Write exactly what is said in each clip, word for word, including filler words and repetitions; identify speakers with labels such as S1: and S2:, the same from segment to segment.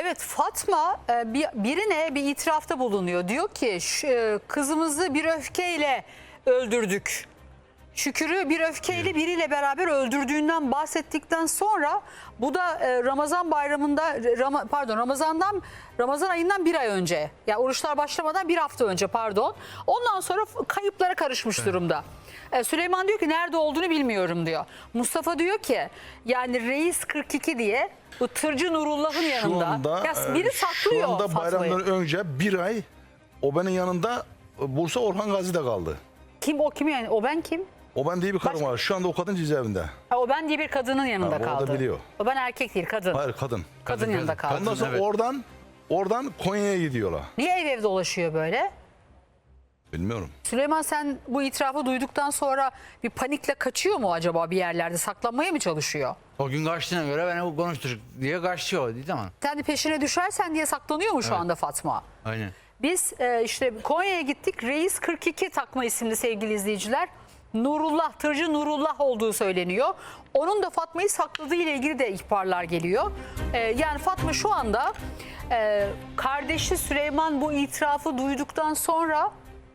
S1: Evet, Fatma e, bir, birine bir itirafta bulunuyor. Diyor ki şu, e, kızımızı bir öfkeyle öldürdük. Şükür'ü bir öfkeyle biriyle beraber öldürdüğünden bahsettikten sonra bu da e, Ramazan bayramında Ram, pardon Ramazan'dan Ramazan ayından bir ay önce, ya yani oruçlar başlamadan bir hafta önce pardon. Ondan sonra kayıplara karışmış evet. durumda. E, Süleyman diyor ki nerede olduğunu bilmiyorum diyor. Mustafa diyor ki yani Reis kırk iki diye bu tırcı Nurullah'ın yanında.
S2: Anda,
S1: ya biri saklıyor
S2: Şu anda
S1: Fatma'yı.
S2: bayramdan önce bir ay o benim yanında Bursa Orhan Gazi'de kaldı.
S1: Kim o kim yani? O ben kim?
S2: O ben diye bir kadın
S1: Başka?
S2: var. Şu anda o kadın cezaevinde.
S1: Ha, o ben diye bir kadının yanında
S2: ha,
S1: kaldı.
S2: O da biliyor.
S1: O ben erkek değil, kadın.
S2: Hayır kadın.
S1: Kadın,
S3: Kadın
S1: yanında kaldı.
S2: Ondan sonra
S3: evet.
S2: oradan oradan Konya'ya gidiyorlar.
S1: Niye ev ev dolaşıyor böyle?
S2: Bilmiyorum.
S1: Süleyman, sen bu itirafı duyduktan sonra bir panikle kaçıyor mu acaba, bir yerlerde saklanmaya mı çalışıyor?
S3: O gün kaçtığına göre beni konuştur diye kaçıyor değil mi?
S1: Sen de peşine düşersen diye saklanıyor mu şu
S3: Evet.
S1: anda Fatma?
S3: Aynen.
S1: Biz e, işte Konya'ya gittik. Reis kırk iki takma isimli sevgili izleyiciler. Nurullah, tırcı Nurullah olduğu söyleniyor. Onun da Fatma'yı sakladığı ile ilgili de ihbarlar geliyor. E, yani Fatma şu anda e, kardeşi Süleyman bu itirafı duyduktan sonra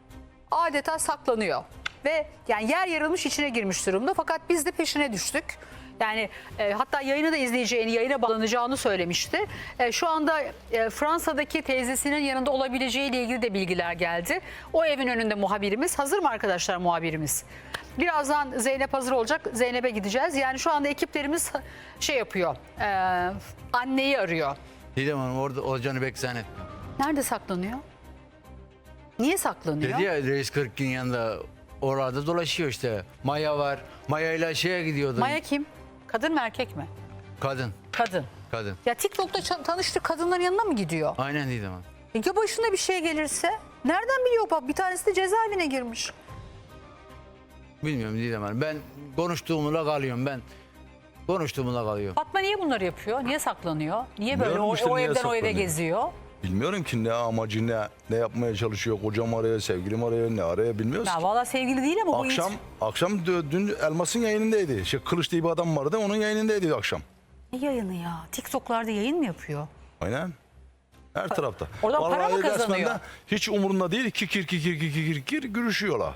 S1: adeta saklanıyor. Ve yani yer yarılmış, içine girmiş durumda. Fakat biz de peşine düştük. Yani e, hatta yayını da izleyeceğini, yayına bağlanacağını söylemişti. E, şu anda e, Fransa'daki teyzesinin yanında olabileceğiyle ilgili de bilgiler geldi. O evin önünde muhabirimiz. Hazır mı arkadaşlar muhabirimiz? Birazdan Zeynep hazır olacak. Zeynep'e gideceğiz. Yani şu anda ekiplerimiz şey yapıyor. E, anneyi arıyor.
S3: Didem Hanım orada olacağını pek zannetmiyorum.
S1: Nerede saklanıyor? Niye saklanıyor?
S3: Dedi ya Reis kırk ikinin yanında orada dolaşıyor işte. Maya var. Maya ile şeye gidiyordu.
S1: Maya kim? Kadın mı erkek mi?
S3: Kadın.
S1: Kadın.
S3: Kadın.
S1: Ya TikTok'ta ça- tanıştığı kadınların yanına mı gidiyor?
S3: Aynen Didem Hanım.
S1: E ya başına bir şey gelirse? Nereden biliyor bak? Bir tanesi de cezaevine girmiş.
S3: Bilmiyorum Didem Hanım. Ben konuştuğumla kalıyorum ben. Konuştuğumla kalıyorum.
S1: Fatma niye bunları yapıyor? Niye saklanıyor? Niye böyle
S2: Bilmiyorum
S1: o,
S2: işte
S1: o
S2: niye
S1: evden o eve
S2: saklanıyor.
S1: geziyor?
S2: Bilmiyorum ki ne amacı, ne ne yapmaya çalışıyor. Kocam araya, sevgilim araya, ne araya bilmiyoruz
S1: Ya
S2: ki.
S1: valla sevgili değil ama bu
S2: Akşam
S1: it-
S2: akşam dö- dün Elmas'ın yayınındaydı. Şey, Kılıç diye bir adam vardı. Onun yayınındaydı akşam.
S1: Ne yayını ya? TikTok'larda yayın mı yapıyor?
S2: Aynen. Her tarafta.
S1: Oradan para mı
S2: Vallahi resmen
S1: kazanıyor?
S2: de hiç umurunda değil. Kikir kikir kikir kikir gürüşüyorlar.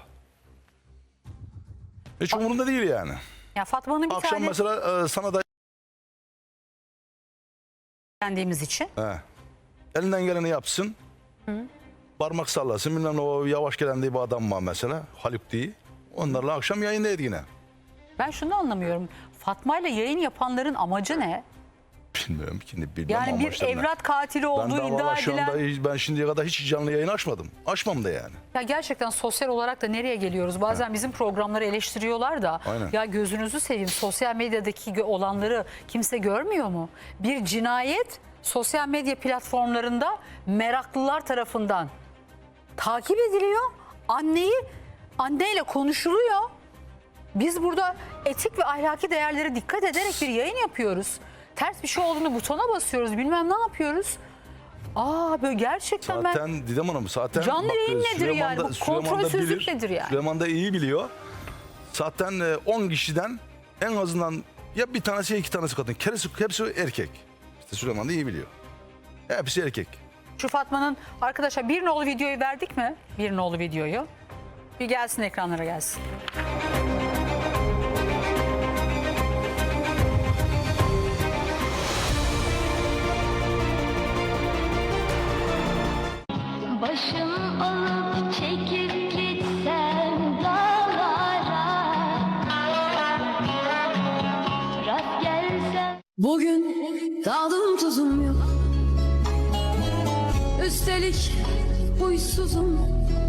S2: Hiç umurunda değil yani.
S1: Ya Fatma'nın bir
S2: Akşam
S1: tane
S2: mesela e, sana da
S1: beğendiğimiz için.
S2: he, elinden geleni yapsın. Hı. Parmak sallasın. Bilmem ne, o yavaş gelen diye bir adam var mesela. Haluk diye. Onlarla akşam yayındaydı yine.
S1: Ben şunu anlamıyorum. Fatma ile yayın yapanların amacı ne?
S2: Bilmiyorum ki. Bilmem
S1: Yani bir
S2: amaçlarını.
S1: evlat katili
S2: Ben
S1: olduğu
S2: daha
S1: iddia
S2: valla şu
S1: edilen...
S2: anda hiç- ben şimdiye kadar hiç canlı yayın açmadım. Açmam da yani.
S1: Ya gerçekten sosyal olarak da nereye geliyoruz? Bazen bizim programları eleştiriyorlar da.
S2: Aynen.
S1: Ya gözünüzü seveyim, sosyal medyadaki gö- olanları kimse görmüyor mu? Bir cinayet sosyal medya platformlarında meraklılar tarafından takip ediliyor. Anneyi anneyle konuşuluyor. Biz burada etik ve ahlaki değerlere dikkat ederek bir yayın yapıyoruz. Ters bir şey olduğunu butona basıyoruz. Bilmem ne yapıyoruz. Aa böyle gerçekten ben...
S2: Zaten Didem Hanım zaten
S1: Canlı yayın nedir
S2: Süleyman
S1: yani?
S2: da-
S1: Bu
S2: Süleyman da
S1: kontrolsüzlük
S2: bilir.
S1: nedir yani?
S2: Süleyman da iyi biliyor. Zaten e, on kişiden en azından ya bir tanesi ya iki tanesi kadın. Hepsi, hepsi erkek. İşte Süleyman da iyi biliyor. Hepsi erkek.
S1: Şu Fatma'nın arkadaşlar bir nolu videoyu verdik mi? Bir nolu videoyu. Bir gelsin, ekranlara gelsin.
S4: Başım alıp çekip gitsem dağlara, rast gelsem.
S5: Bugün tadım tuzum yok. Üstelik huysuzum.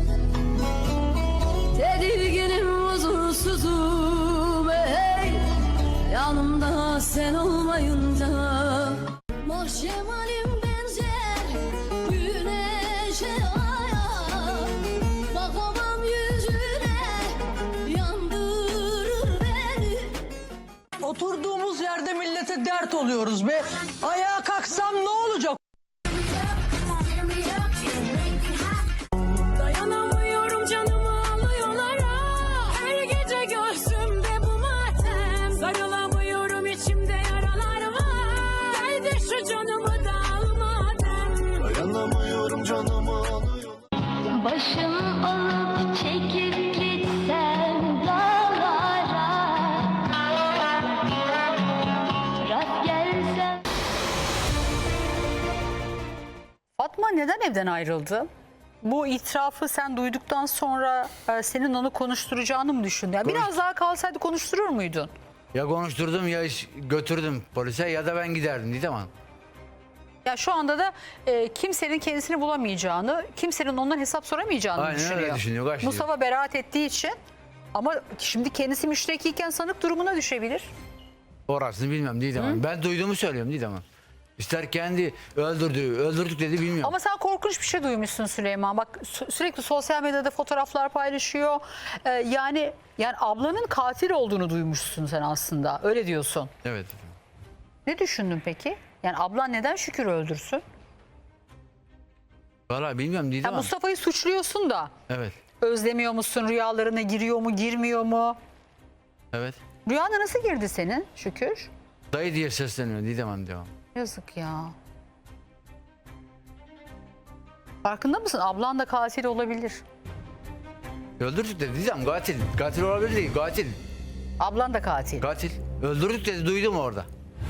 S5: Tedirginim, huzursuzum. Hey, yanımda sen olmayınca. Mahşemalim benzer güneşe, aya. Bakamam yüzüne, yandırır beni.
S6: Oturduğumuz yerde millete dert oluyoruz be. Ayağa kalksam ne olacak?
S5: Dayanamıyorum, canımı alıyorlar. Her gece göğsümde bu matem. Sarılamıyorum, içimde yaralar var. Haydi şu canımı da alma.
S1: Fatma neden evden ayrıldı? Bu itirafı sen duyduktan sonra e, senin onu konuşturacağını mı düşündün? Yani biraz daha kalsaydı konuşturur muydun?
S3: Ya konuşturdum ya iş- götürdüm polise ya da ben giderdim Didem Hanım.
S1: Ya şu anda da e, kimsenin kendisini bulamayacağını, kimsenin ondan hesap soramayacağını
S3: Aynen öyle
S1: düşünüyor.
S3: düşünüyor, kaç diyor.
S1: Mustafa beraat ettiği için, ama şimdi kendisi müştekiyken sanık durumuna düşebilir.
S3: Orasını bilmem Didem Hanım. Ben duyduğumu söylüyorum Didem Hanım. İster kendi öldürdü, öldürdük dedi bilmiyorum.
S1: Ama sen korkunç bir şey duymuşsun Süleyman. Bak sü- sürekli sosyal medyada fotoğraflar paylaşıyor. Ee, yani yani ablanın katil olduğunu duymuşsun sen aslında. Öyle diyorsun.
S3: Evet.
S1: Ne düşündün peki? Yani ablan neden Şükür öldürsün?
S3: Vallahi bilmiyorum Didem
S1: Ya
S3: Hanım.
S1: Mustafa'yı suçluyorsun da
S3: Evet.
S1: özlemiyor musun? Rüyalarına giriyor mu, girmiyor mu?
S3: Evet.
S1: Rüyana nasıl girdi senin Şükür?
S3: Dayı diye sesleniyor Didem Hanım devam.
S1: Yazık ya. Farkında mısın? Ablan da katil olabilir.
S3: Öldürdük dedi Didem katil. Katil olabilir değil katil.
S1: Ablan da katil.
S3: Katil. Öldürdük dedi duydum orada.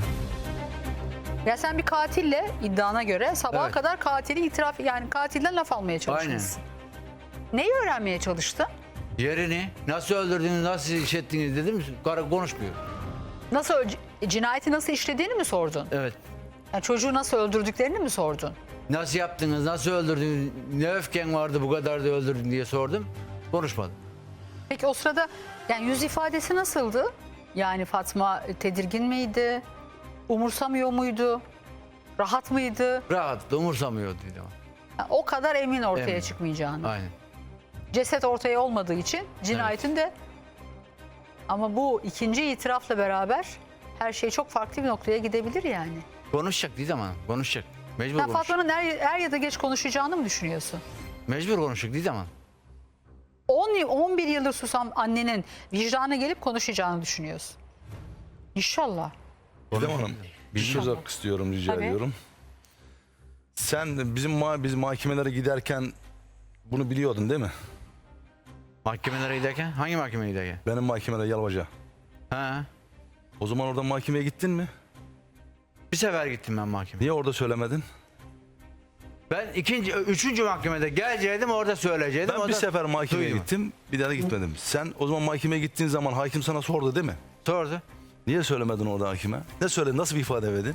S1: Ya sen bir katille iddiana göre sabaha
S3: Evet.
S1: kadar katili itiraf, yani katilden laf almaya çalışmışsın. Neyi öğrenmeye çalıştın?
S3: Yerini nasıl öldürdünüz nasıl iş ettiniz dedim karı konuşmuyor.
S1: Nasıl ö- cinayeti nasıl işlediğini mi sordun?
S3: Evet.
S1: Yani çocuğu nasıl öldürdüklerini mi sordun?
S3: Nasıl yaptınız nasıl öldürdünüz ne öfken vardı bu kadar da öldürdün diye sordum. Konuşmadı.
S1: Peki o sırada yani yüz ifadesi nasıldı? Yani Fatma tedirgin miydi? Umursamıyor muydu? Rahat mıydı?
S3: Rahat da umursamıyordu Didem Hanım.
S1: Yani o kadar emin ortaya
S3: Emin.
S1: çıkmayacağını.
S3: Aynen.
S1: Ceset ortaya olmadığı için cinayetin de, ama bu ikinci itirafla beraber her şey çok farklı bir noktaya gidebilir yani.
S3: Konuşacak Didem Hanım konuşacak. Mecbur
S1: Sen
S3: konuşacak.
S1: Fatma'nın er, er ya da geç konuşacağını mı düşünüyorsun?
S3: Mecbur konuşacak Didem Hanım.
S1: on yıl, on bir yıldır susan annenin vicdanına gelip konuşacağını düşünüyorsun. İnşallah.
S2: Didem Hanım bir söz hakkı istiyorum, rica
S1: Tabii.
S2: ediyorum. Sen bizim ma biz mahkemelere giderken bunu biliyordun değil mi?
S3: Mahkemelere giderken hangi mahkemeye giderken?
S2: Benim mahkemede Yalvaca.
S3: Ha.
S2: O zaman orada mahkemeye gittin mi?
S3: Bir sefer gittim ben mahkemeye.
S2: Niye orada söylemedin?
S3: Ben ikinci, üçüncü mahkemede geleceğim orada söyleyecektim.
S2: Ben
S3: o
S2: bir
S3: da
S2: sefer mahkemeye
S3: duymadı.
S2: gittim, bir daha da gitmedim. Sen o zaman mahkemeye gittiğin zaman hakim sana sordu değil mi?
S3: Sordu.
S2: Niye söylemedin orada hakime? Ne söyledin, nasıl bir ifade verdin?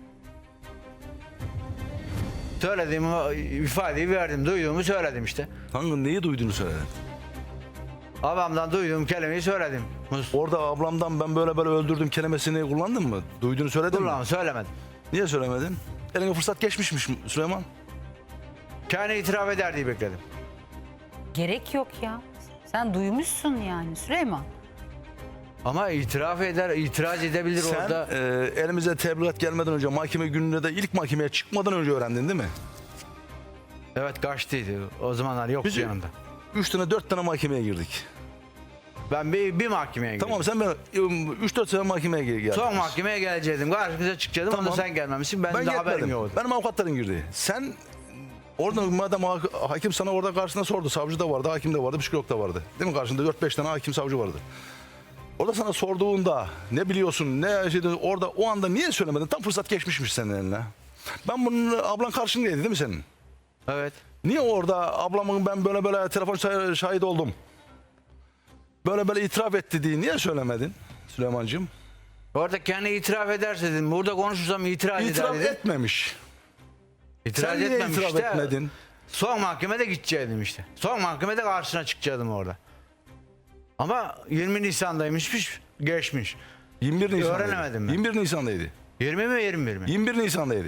S3: Söylediğim o ifadeyi verdim. Duyduğumu söyledim işte.
S2: Hangi neyi duyduğunu söyledin?
S3: Babamdan duyduğum kelimeyi söyledim. Mus-
S2: Orada ablamdan ben böyle böyle öldürdüm kelimesini kullandın mı? Duyduğunu söyledin mi?
S3: Ulan söylemedim.
S2: Niye söylemedin? Eline fırsat geçmişmiş Süleyman.
S3: Kendi itiraf eder diye bekledim.
S1: Gerek yok ya. Sen duymuşsun yani Süleyman.
S3: Ama itiraf eder, itiraz edebilir
S2: Sen
S3: orada.
S2: e, elimize tebligat gelmeden önce mahkeme gününe de ilk mahkemeye çıkmadan önce öğrendin değil mi?
S3: Evet kaçtıydı. O zamanlar yoktu
S2: Bizim-
S3: yanında.
S2: Üç tane dört tane mahkemeye girdik.
S3: Ben bir, bir mahkemeye gittim.
S2: Tamam sen ben üç dört sene mahkemeye gel- geldin.
S3: Son mahkemeye gelecektim. Karşımıza çıkacaktım.
S2: Tamam.
S3: Onda sen gelmemişsin. Ben,
S2: Ben
S3: de haberim
S2: gitmedim.
S3: yoktu.
S2: Benim avukatlarım girdi. Sen orada madem ha- hakim sana orada karşısında sordu. Savcı da vardı, hakim de vardı, psikolog da vardı. Değil mi? Karşında dört beş tane hakim savcı vardı. Orada sana sorduğunda ne biliyorsun, ne şeydi, orada o anda niye söylemedin? Tam fırsat geçmişmiş senin eline. Ben bunun ablan karşındaydı değil mi senin?
S3: Evet.
S2: Niye orada ablamın ben böyle böyle telefon şah- şahit oldum. Böyle böyle itiraf etti diye niye söylemedin Süleymancığım?
S3: Orada kendi itiraf ederse dedim. Burada konuşursam itiraz
S2: İtiraf
S3: eder dedim.
S2: etmemiş.
S3: İtiraz
S2: Sen niye
S3: etmemiş
S2: itiraf
S3: de
S2: etmedin?
S3: Son mahkemede gidecektim işte. Son mahkemede karşısına çıkacaktım orada. Ama yirmi Nisan'daymış, geçmiş.
S2: yirmi bir Nisan'daydı.
S3: Öğrenemedim ben.
S2: yirmi bir Nisan'daydı.
S3: yirmi mi yirmi bir mi?
S2: yirmi bir Nisan'daydı.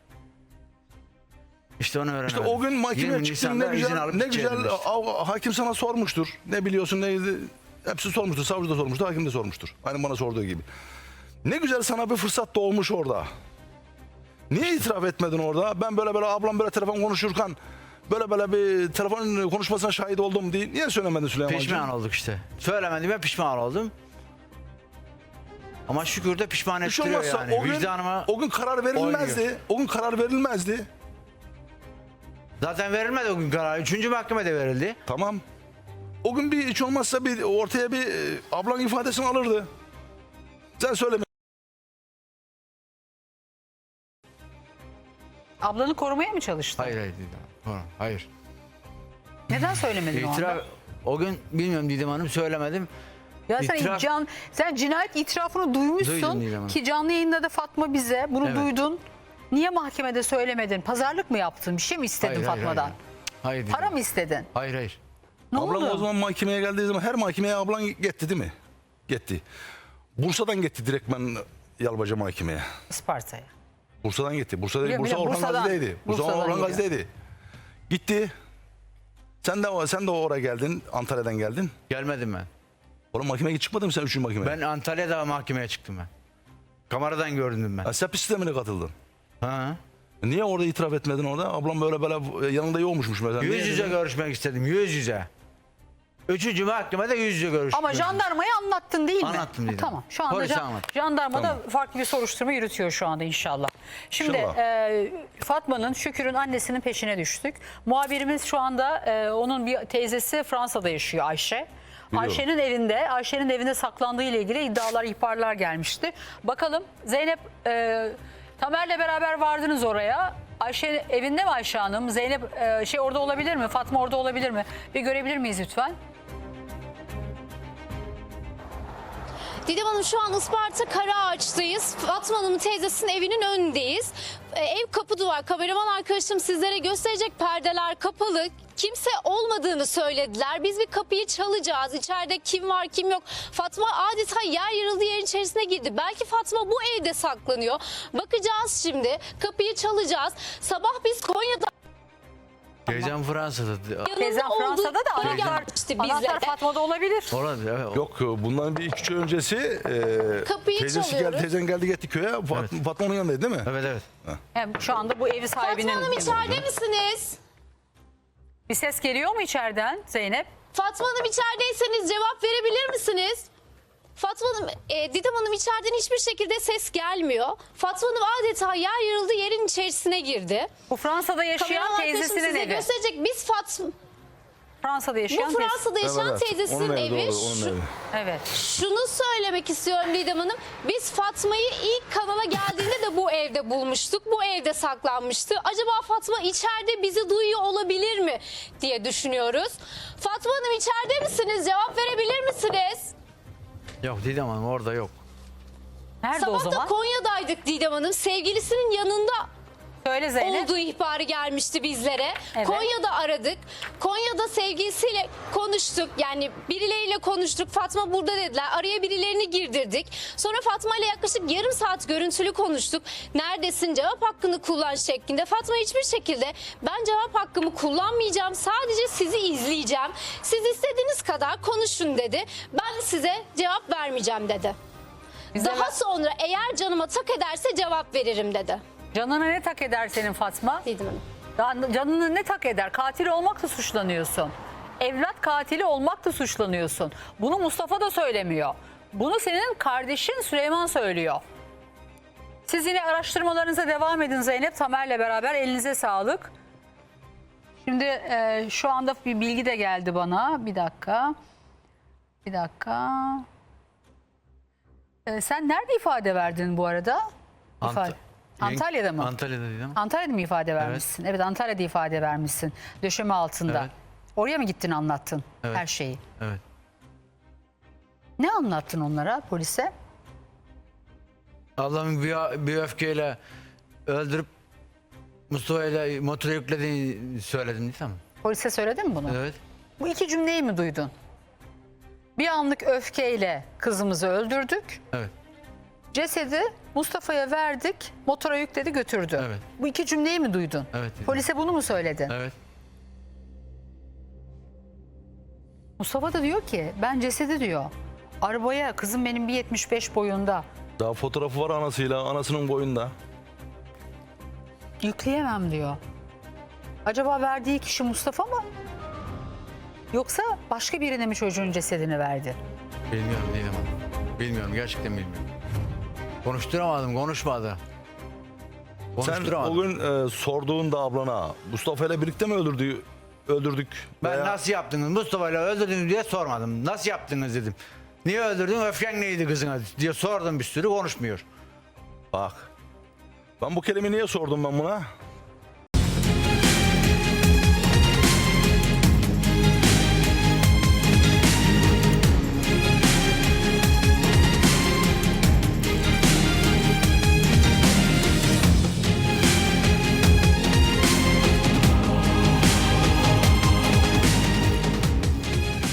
S3: İşte onu öğrenemedim.
S2: İşte o gün mahkemeye
S3: yirmi
S2: çıktın ne
S3: Nisan'da izin
S2: güzel,
S3: alıp
S2: ne
S3: gidecektim
S2: güzel
S3: işte.
S2: av- hakim sana sormuştur. Ne biliyorsun neydi? Hepsi sormuştur. Savcı da sormuştur, hakim de sormuştur. Aynı bana sorduğu gibi. Ne güzel sana bir fırsat doğmuş orada. Niye itiraf etmedin orada? Ben böyle böyle ablam böyle telefon konuşurken böyle böyle bir telefon konuşmasına şahit oldum diye niye söylemedin Süleyman'cığım?
S3: Pişman olduk işte. Söylemediğime pişman oldum. Ama şükür de pişman
S2: Hiç
S3: ettiriyor
S2: olmazsa
S3: yani.
S2: o gün,
S3: Vicdanıma
S2: o gün karar verilmezdi.
S3: oynuyor.
S2: O gün karar verilmezdi.
S3: zaten verilmedi o gün karar. Üçüncü mahkemede verildi.
S2: Tamam. O gün bir hiç olmazsa bir ortaya bir e, ablan ifadesini alırdı. Sen söyleme.
S1: Ablanı korumaya mı çalıştın?
S3: Hayır hayır Didem Hanım. Sonra, hayır.
S1: Neden söylemedin o anda?
S3: İtiraf, o gün bilmiyorum Didem Hanım söylemedim.
S1: Ya sen,
S3: İtiraf-
S1: can, sen cinayet itirafını duymuşsun
S3: Duydum Didem Hanım.
S1: ki canlı yayında da Fatma bize bunu
S3: Evet.
S1: duydun. Niye mahkemede söylemedin? Pazarlık mı yaptın? Bir şey mi istedin
S3: Hayır, hayır,
S1: Fatma'dan?
S3: hayır. Hayır Didem
S1: Para
S3: Hanım.
S1: mı istedin?
S3: Hayır hayır.
S1: Ne
S2: Ablam
S1: oldu?
S2: o zaman mahkemeye geldiği zaman her mahkemeye ablan gitti değil mi? Gitti. Bursa'dan gitti direkt ben Yalbaca mahkemeye.
S1: Isparta'ya.
S2: Bursa'dan gitti. Bursa'da
S1: Biliyorum,
S2: Bursa
S1: biliyorum.
S2: Orhan
S1: Bursa'dan-
S2: Gazi'deydi. Bursa
S1: Bursa'dan
S2: Orhan
S1: geliyor.
S2: Gazi'deydi. Gitti. Sen de sen de oraya geldin. Antalya'dan geldin.
S3: Gelmedim ben.
S2: Oğlum mahkemeye çıkmadın mı sen üçüncü mahkemeye?
S3: Ben Antalya'da mahkemeye çıktım ben. Kameradan gördüm ben.
S2: Ha, S E P sistemine katıldın.
S3: Ha.
S2: Niye orada itiraf etmedin orada? Ablam böyle böyle yanında yokmuşmuş mesela.
S3: Yüz
S2: Niye
S3: yüze
S2: dedin?
S3: görüşmek istedim. Yüz yüze. Üçüncü mahkemede yüz yüze görüştüm.
S1: Ama jandarmayı anlattın değil mi?
S3: Anlattım dedim.
S1: Tamam. Şu anda
S3: Polise
S1: jan-
S3: anlattım.
S1: jandarma da
S2: Tamam.
S1: farklı bir soruşturma yürütüyor şu anda inşallah. Şimdi
S2: İnşallah.
S1: e, Fatma'nın, Şükür'ün annesinin peşine düştük. Muhabirimiz şu anda e, onun bir teyzesi Fransa'da yaşıyor, Ayşe.
S2: Biliyorum.
S1: Ayşe'nin evinde, Ayşe'nin evinde saklandığı ile ilgili iddialar, ihbarlar gelmişti. Bakalım Zeynep, e, Tamer'le beraber vardınız oraya. Ayşe evinde mi Ayşe Hanım? Zeynep e, şey orada olabilir mi? Fatma orada olabilir mi? Bir görebilir miyiz lütfen?
S7: Didem Hanım şu an Isparta Karaağaç'tayız. Fatma Hanım'ın teyzesinin evinin önündeyiz. Ee, ev kapı duvar. Kameraman arkadaşım sizlere gösterecek, perdeler kapalı. Kimse olmadığını söylediler. Biz bir kapıyı çalacağız. İçeride kim var kim yok. Fatma adeta yer yarıldı yerin içerisine girdi. Belki Fatma bu evde saklanıyor. Bakacağız şimdi. Kapıyı çalacağız. Sabah biz Konya'da
S3: Teyzem Fransa'da.
S1: Teyzem
S7: yanında olduğu
S1: Fransa'da da
S7: bana
S1: anahtar,
S7: gelmişti
S1: anahtar
S7: bizlere.
S1: Fatma'da olabilir.
S3: Olabilir. Evet.
S2: Yok bundan bir iki üç ay öncesi e,
S7: Kapıyı
S2: teyzesi
S7: çalıyoruz.
S2: geldi, teyzen geldi gitti köye. Fat, Fatma'nın yanındaydı değil mi?
S3: Evet evet.
S1: Hem şu anda bu evi sahibinin...
S7: Fatma Hanım içeride misiniz?
S1: Bir ses geliyor mu içeriden Zeynep?
S7: Fatma Hanım içerideyseniz cevap verebilir misiniz? Fatma Hanım, e, Didem Hanım içeriden hiçbir şekilde ses gelmiyor. Fatma Hanım adeta yer yarıldı yerin içerisine girdi.
S1: Bu Fransa'da yaşayan
S7: Kameraman arkadaşım
S1: teyzesinin
S7: size
S1: evi.
S7: gösterecek. Biz Fatma,
S1: Fransa'da
S7: bu
S1: yaşayan teyzesi.
S7: Fransa'da yaşayan
S2: Evet,
S7: teyzesinin
S2: onun
S7: evi.
S2: doğru, onun
S7: Şu-
S2: evi.
S1: Evet.
S7: Şunu söylemek istiyorum Didem Hanım. Biz Fatma'yı ilk kanala geldiğinde de bu evde bulmuştuk. Bu evde saklanmıştı. Acaba Fatma içeride bizi duyuyor olabilir mi diye düşünüyoruz. Fatma Hanım içeride misiniz? Cevap verebilir misiniz?
S3: Yok Didem Hanım orada yok.
S1: Nerede o
S7: Sabah da
S1: zaman?
S7: Konya'daydık Didem Hanım. Sevgilisinin yanında
S1: Söyle Zeynep.
S7: olduğu ihbarı gelmişti bizlere.
S1: Evet.
S7: Konya'da aradık. Konya'da sevgilisiyle konuştuk. Yani birileriyle konuştuk. Fatma burada dediler. Araya birilerini girdirdik. Sonra Fatma ile yaklaşık yarım saat görüntülü konuştuk. Neredesin? Cevap hakkını kullan şeklinde. Fatma hiçbir şekilde ben cevap hakkımı kullanmayacağım. Sadece sizi izleyeceğim. Siz istediğiniz kadar konuşun dedi. Ben size cevap vermeyeceğim dedi.
S1: Bize
S7: Daha
S1: ver-
S7: sonra eğer canıma tak ederse cevap veririm dedi.
S1: Canına ne tak eder senin Fatma?
S7: Didem Hanım.
S1: Daha Canını ne tak eder? Katil olmakla suçlanıyorsun. Evlat katili olmakla suçlanıyorsun. Bunu Mustafa da söylemiyor. Bunu senin kardeşin Süleyman söylüyor. Siz yine araştırmalarınıza devam edin Zeynep. Tamer'le beraber elinize sağlık. Şimdi e, şu anda bir bilgi de geldi bana. Bir dakika. Bir dakika. E, sen nerede ifade verdin bu arada?
S3: Ant-
S1: İfade- Antalya'da mı?
S3: Antalya'da Didem.
S1: Antalya'da mı ifade vermişsin? Evet, Antalya'da ifade vermişsin. Döşeme altında.
S3: Evet.
S1: Oraya mı gittin anlattın
S3: Evet.
S1: her şeyi?
S3: Evet.
S1: Ne anlattın onlara, polise?
S3: Ablamın bir, bir öfkeyle öldürüp Mustafa ile motora yüklediğini söyledim Didem.
S1: Polise söyledin mi bunu?
S3: Evet.
S1: Bu iki cümleyi mi duydun? Bir anlık öfkeyle kızımızı öldürdük.
S3: Evet.
S1: Cesedi Mustafa'ya verdik. Motora yükledi götürdü.
S3: Evet.
S1: Bu iki cümleyi mi duydun?
S3: Evet, dedim.
S1: Polise bunu mu söyledin?
S3: Evet.
S1: Mustafa da diyor ki ben cesedi diyor. Arabaya kızım benim bir yetmiş beş boyunda.
S2: Daha fotoğrafı var anasıyla, anasının boyunda.
S1: Yükleyemem diyor. Acaba verdiği kişi Mustafa mı? Yoksa başka birine mi çocuğun cesedini verdi?
S3: Bilmiyorum Didem Hanım. Bilmiyorum gerçekten bilmiyorum. Konuşturamadım konuşmadı.
S2: Sen
S3: Konuşturamadım.
S2: o gün e, sorduğunda ablana Mustafa ile birlikte mi öldürdü, öldürdük?
S3: Ben
S2: Veya-
S3: nasıl yaptınız Mustafa ile öldürdünüz diye sormadım. Nasıl yaptınız dedim. Niye öldürdün öfken neydi kızına diye sordum bir sürü konuşmuyor.
S2: Bak. Ben bu kelimeyi niye sordum ben buna?